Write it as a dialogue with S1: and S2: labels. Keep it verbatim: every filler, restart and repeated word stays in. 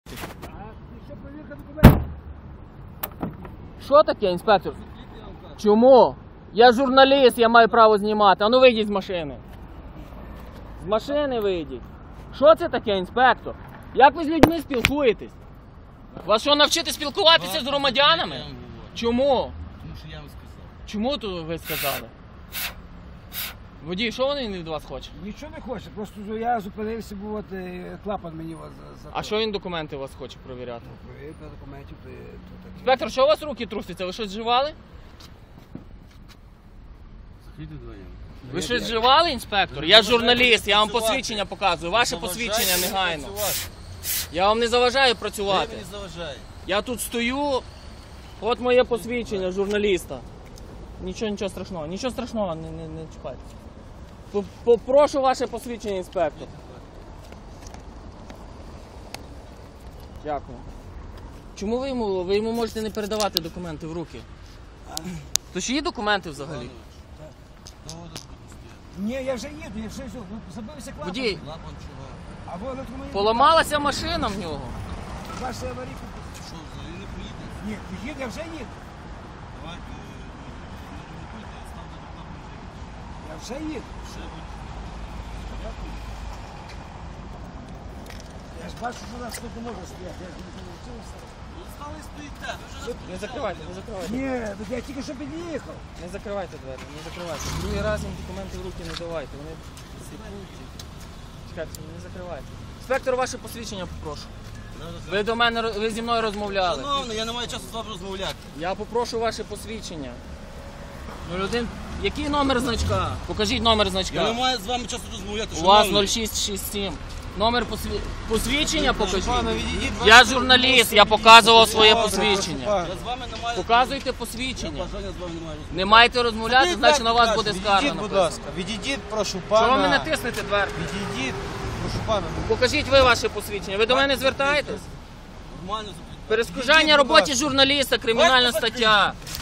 S1: Що таке, інспектор? Чому? Я журналіст, я маю право знімати. А ну вийдіть з машини. З машини вийдіть. Що це таке, інспектор? Як ви з людьми спілкуєтесь? Вас що, навчити спілкуватися з громадянами? Чому?
S2: Тому що я вам сказав.
S1: Чому тут ви сказали? Водій, що вони від вас хочуть?
S3: Нічого не хоче, просто я зупинився, бо от клапан мені за.
S1: А що він документи у вас хоче перевіряти?
S3: Перевірка документів, то таке.
S1: Інспектор, що у вас руки трусяться? Ви щось вживали?
S2: Закрийте двоє.
S1: Ви щось вживали, інспектор? Я журналіст, я вам посвідчення показую. Ваше посвідчення негайно. Я вам не заважаю працювати.
S2: Ви мені заважає.
S1: Я тут стою, от моє посвідчення журналіста. Нічого, нічого страшного, нічого страшного, не, не, не чіпайте. Попрошу ваше посвідчення, інспектор. Дякую. Чому ви йому, ви йому можете не передавати документи в руки? То ж є документи взагалі?
S3: Ні, я вже їду, я вже їду. Забився клапан.
S1: Водій,
S2: Лапан чого?
S3: А ви електромагнітні.
S1: поламалася машина в нього.
S3: Ваша аварійка.
S2: Що, взагалі не поїде?
S3: Ні, їду, я вже їду.
S2: Давайте, не ремонтуйте, ставте рекламу.
S3: Я вже їду.
S2: Ще будь.
S3: Я ж бачу, що нас тут не може стояти. Я ж не навчився.
S2: Ви стали і стоїте, ви вже
S1: Не закривайте, не закривайте.
S3: Ні, я тільки що під'їхав.
S1: Не закривайте двері, не закривайте. Другий раз їм документи в руки не давайте. Вони сліпують. Чекайте, не закривайте. Інспектор, ваше посвідчення попрошу. Ви до мене, ви зі мною розмовляли.
S2: Шановний, я не маю часу з вами розмовляти.
S1: Я попрошу ваше посвідчення. Ну, людин... Який номер значка? Покажіть номер значка.
S2: Я не маю з вами часу розмовляти.
S1: У вас
S2: шановний.
S1: нуль шість шість сім. Номер посві... посвідчення покажіть.
S2: Пане, відійдіть,
S1: Я
S2: бачите,
S1: журналіст, я показував своє посвідчення.
S2: Я з вами не маю.
S1: Показуйте
S2: Я
S1: посвідчення.
S2: бажання з вами не маю розмовляти.
S1: Не маєте розмовляти, значить на вас буде скарга
S4: Відійдіть, будь
S1: написана.
S4: ласка, відійдіть, прошу пана.
S1: Чого ви мене тиснете дверку?
S4: Відійдіть, прошу пана.
S1: Покажіть ви ваше посвідчення. Ви до мене звертаєтесь?
S2: Нормально запитати.
S1: Перешкоджання
S4: Відійдіть, будь
S1: роботі
S4: ласка.
S1: журналіста, кримінальна
S2: Давайте
S1: стаття.